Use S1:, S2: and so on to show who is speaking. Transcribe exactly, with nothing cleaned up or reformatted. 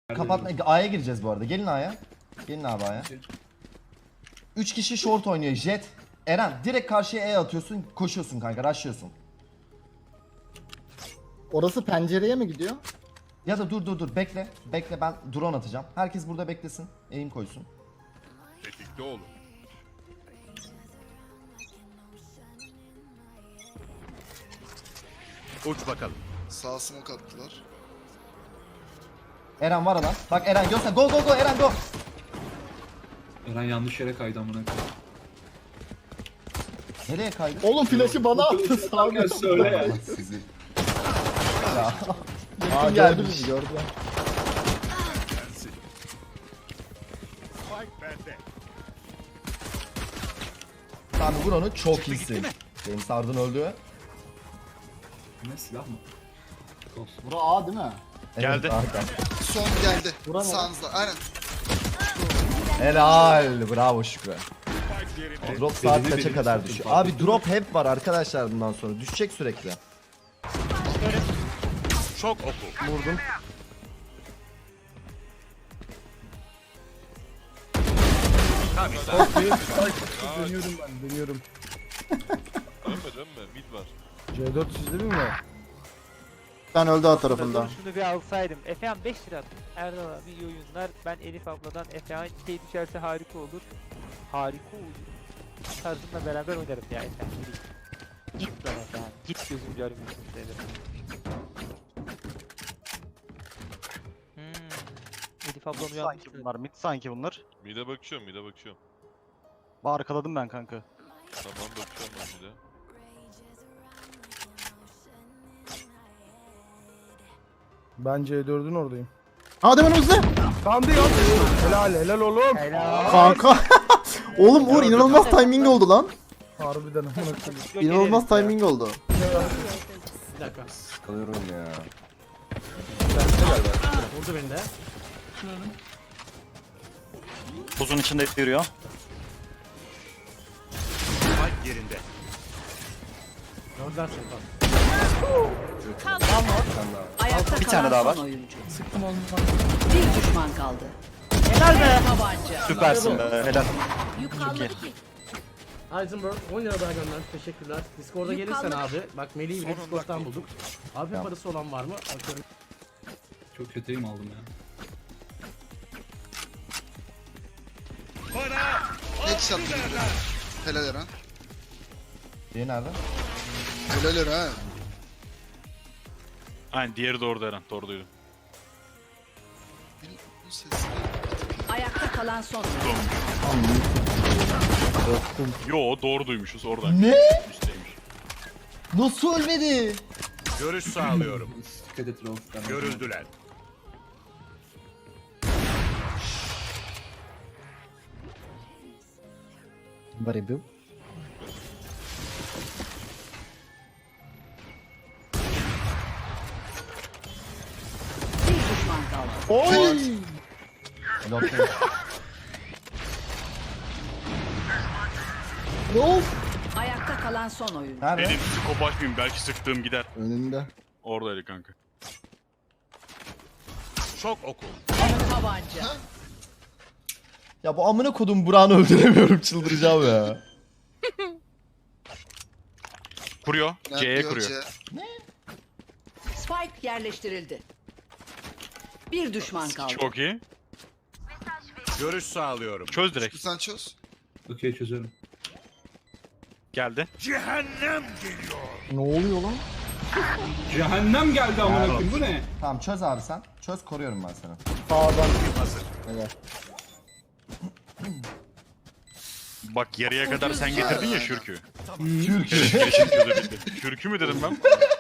S1: Kapatma. A'ya gireceğiz bu arada. Gelin A'ya. Gelin abi A'ya. üç kişi short oynuyor. Jet. Eren direkt karşıya E atıyorsun. Koşuyorsun kanka. Rushlıyorsun.
S2: Orası pencereye mi gidiyor?
S1: Ya da dur dur dur. Bekle. Bekle ben drone atacağım. Herkes burada beklesin. Aim koysun.
S3: Tetikte olun. Uç bakalım.
S4: Sağ smoke attılar.
S1: Eren var lan. Bak Eren göster. Go go go Eren go.
S5: Eren yanlış yere kaydı amına koyayım.
S1: Nereye kaydı?
S2: Oğlum flash'ı bana attı sağ
S5: Gel söyle ya.
S1: Allah sizi. Ya.
S2: Aa gördü
S1: gelmiş.
S2: bizi gördüler.
S3: Gelsin. Spike bende.
S1: Abi vur onu çok iyisin. James Harden öldü.
S5: Ne silah mı?
S2: Bura A değil mi?
S1: Evet,
S3: Geldi.
S1: arka.
S4: Son geldi.
S2: Vuran mı?
S4: Sağınızda. Aynen.
S1: Helal. Bravo Şükrü.
S3: Spike yerinde.
S1: Drop saat
S5: Belini
S1: kaça
S5: belini
S1: kadar
S5: sıktım,
S1: düşüyor?
S5: fark
S1: Abi
S5: ettim.
S1: drop hep var arkadaşlar bundan sonra. Düşecek sürekli.
S3: Şok oku.
S1: Vurdum.
S3: Tabii.
S6: Dönüyorum ben, dönüyorum.
S3: Dönme dönme. Mid var.
S6: C dört çizdi mi?
S2: Ben öldü A tarafında.
S7: Şunu bir alsaydım. Efehan beş lira attım. Erdal abi iyi oyunlar. Ben Elif abladan Efehan şey düşerse harika olur. Harika olur. Tarzımla beraber oynarım ya Efehan. Yürü. Git lan Efehan. Git gözüm görmüyorsun dedim. Hmm. Elif ablam
S8: Sanki
S7: uyanmıştı.
S8: bunlar mid sanki bunlar.
S3: Mid'e bakıyorum mid'e bakıyorum.
S8: Arkaladım ben kanka.
S3: Tamam bakıyorum ben mid'e.
S6: Ben C dördün oradayım.
S2: Hadi ben hızlı.
S6: Kandı ya. Helal helal oğlum.
S7: Helal.
S2: Kanka. Oğlum Uğur inanılmaz timing oldu lan.
S6: Harbiden amına koyayım.
S2: İnanılmaz timing oldu.
S1: Sıkılıyorum ya.
S8: Buzun içinde yürüyor.
S3: Spike yerinde.
S9: Ayakta
S8: Bir tane daha var.
S9: son oyuncu. Bir düşman kaldı.
S7: Helal be.
S9: Tabanca.
S8: Süpersin be helal.
S9: Yük kalmadı ki.
S10: Heisenberg on lira daha gönder. Teşekkürler. Discord'a
S9: Yük
S10: gelirsen
S9: kalmadı.
S10: abi. Bak Melih'i bile Discord'dan bulduk. Abi parası olan var mı? Bakıyorum.
S5: Çok kötü aim aldım ya.
S3: Bana
S4: Headshot girdi. Helal Eren.
S1: Diğeri nerede?
S4: Helal Eren.
S3: Aynen diğeri de orada Eren. Doğru duydum.
S4: Benim bu sesini...
S9: Ayakta kalan son oyuncu.
S3: Yo doğru duymuşuz oradan.
S1: Ne?
S3: Üstteymiş.
S1: Nasıl ölmedi?
S3: Görüş sağlıyorum.
S5: Dikkat et Rauf.
S3: Görüldüler.
S2: Very good.
S9: Bir düşman kaldı.
S2: Oy!
S1: Yok,
S2: Of!
S9: Ayakta kalan son oyuncu.
S1: nerede?
S3: Benim psikopat mıyım? Belki sıktığım gider.
S2: Önünde.
S3: Oradaydı kanka. Şok oku.
S9: Tabanca.
S1: Ya bu amına kodum Burak'ını öldüremiyorum, çıldıracağım ya.
S3: Kuruyor.
S4: Ne
S3: C'ye
S4: yapıyor
S3: kuruyor.
S4: C?
S9: Spike yerleştirildi. Bir düşman kaldı.
S3: Çok iyi. Görüş sağlıyorum. Çöz direkt.
S4: Sen çöz.
S5: Okey çözüyorum.
S3: Geldi. Cehennem geliyor.
S2: Ne oluyor lan?
S5: Cehennem geldi amına koyayım bu ne?
S1: Tamam çöz abi sen. Çöz, koruyorum ben seni.
S2: Sağdan.
S3: Hazır.
S2: Helal.
S3: Bak yarıya kadar sen getirdin ya şürkü.
S1: Türkiye.
S3: Keşke çözebildim. Şürkü mü dedim ben?